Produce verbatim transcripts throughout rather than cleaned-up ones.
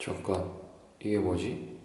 잠깐, 이게 뭐지?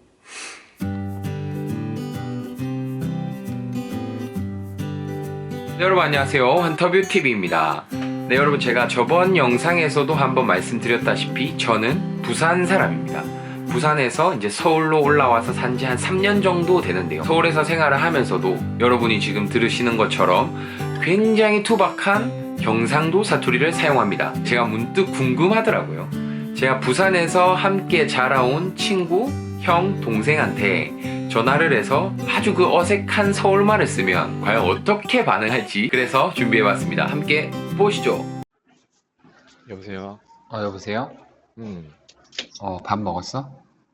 네, 여러분 안녕하세요. 헌터뷰티비입니다. 네, 여러분 제가 저번 영상에서도 한번 말씀드렸다시피 저는 부산 사람입니다. 부산에서 이제 서울로 올라와서 산지 한 삼 년 정도 되는데요. 서울에서 생활을 하면서도 여러분이 지금 들으시는 것처럼 굉장히 투박한 경상도 사투리를 사용합니다. 제가 문득 궁금하더라고요. 제가 부산에서 함께 자라온 친구, 형, 동생한테 전화를 해서 아주 그 어색한 서울말을 쓰면 과연 어떻게 반응할지 그래서 준비해봤습니다. 함께 보시죠. 여보세요? 어, 여보세요? 음. 어, 밥 먹었어?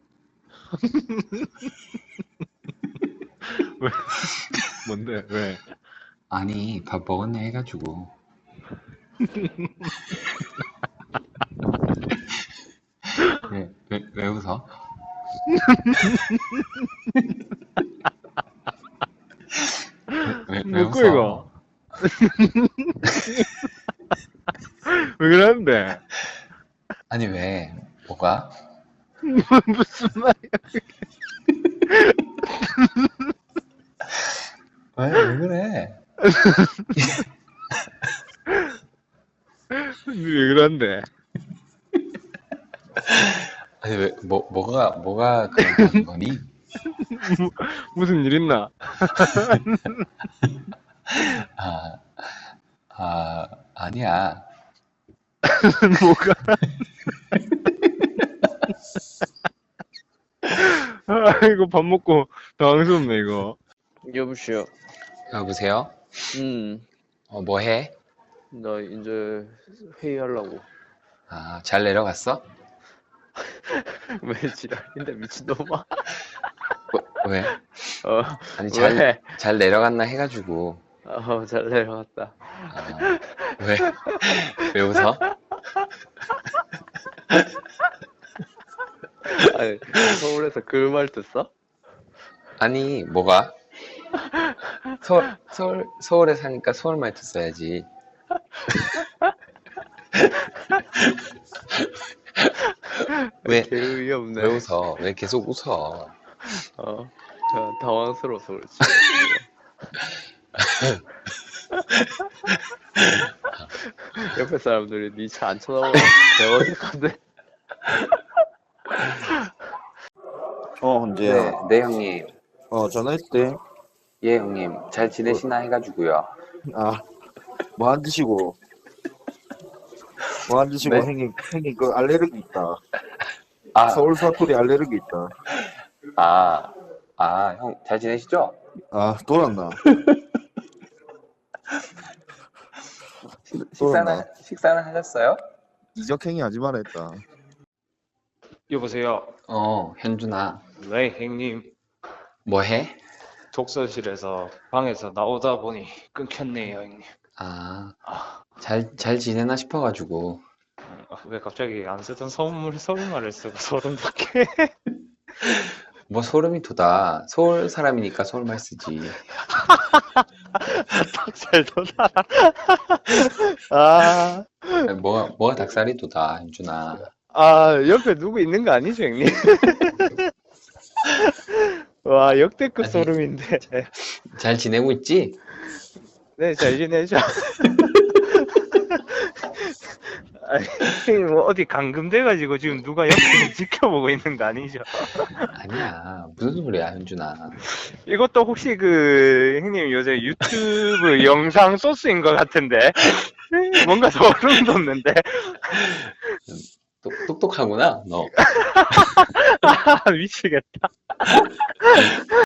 왜? 뭔데? 왜? 아니, 밥 먹었네 해가지고. 왜, 왜, 왜 웃어? 왜, 왜 뭐고 웃어? 이거? 왜 그러는데? 아니, 왜? 뭐가? 무슨 말이야? 왜, 왜 그래? 왜 그런데? 아니, 왜, 뭐, 뭐가, 뭐가 그런 거니? 무, 무슨 일 있나? 아, 아, 아니야. 뭐가? 아, 이거 밥 먹고 당황스럽네, 이거. 여보세요. 여보세요? 음, 어, 뭐 해? 나 이제 회의하려고. 아, 잘 내려갔어? 왜 지랄인데 미친놈아? 뭐, 왜? 어, 아니, 잘, 왜? 잘 내려갔나 해가지고. 어, 잘 내려갔다. 아, 왜? 왜 웃어? 아니, 서울에서 그 말 듣어? 아니, 뭐가? 서울, 서울, 서울에 사니까 서울 말투 써야지. 왜, 개의이 없네. 왜 웃어? 왜 계속 웃어? 어, 저 당황스러워서 그렇지. 옆에 사람들이 니 차 안 쳐다보고 대어색한데. 어, 언제야? 네, 네, 형님. 어, 전화했대. 예, 형님. 잘 지내시나 해가지고요. 아, 뭐 안 드시고. 뭐 안 드시고, 네? 형님, 형님, 그 알레르기 있다. 아, 서울 사투리 알레르기 있다. 아, 아, 형, 잘 지내시죠? 아, 돌았나? 식사는, 식사는 하셨어요? 이적행위 하지 말아 했다. 여보세요. 어, 현준아. 네, 형님. 뭐 해? 독서실에서 방에서 나오다 보니 끊겼네요, 형님. 아, 아, 잘, 잘 지내나 싶어가지고. 왜 갑자기 안 쓰던 서울, 서울말을 쓰고 소름 돋게? 뭐 소름이 돋아. 서울 사람이니까 서울말 쓰지. 잘 돋아. 아, 아니, 뭐가, 뭐가 닭살이 돋아, 현준아. 아, 옆에 누구 있는 거 아니죠, 형님? 와, 역대급 아니. 소름인데. 잘 지내고 있지? 네, 잘 지내죠. 아니, 뭐 어디 감금돼가지고 지금 누가 옆에서 지켜보고 있는 거 아니죠? 아니야. 무슨 소리야, 현준아. 이것도 혹시 그 형님 요새 유튜브 영상 소스인 것 같은데 뭔가 소름 돋는데. 똑, 똑똑하구나, 너. 아, 미치겠다.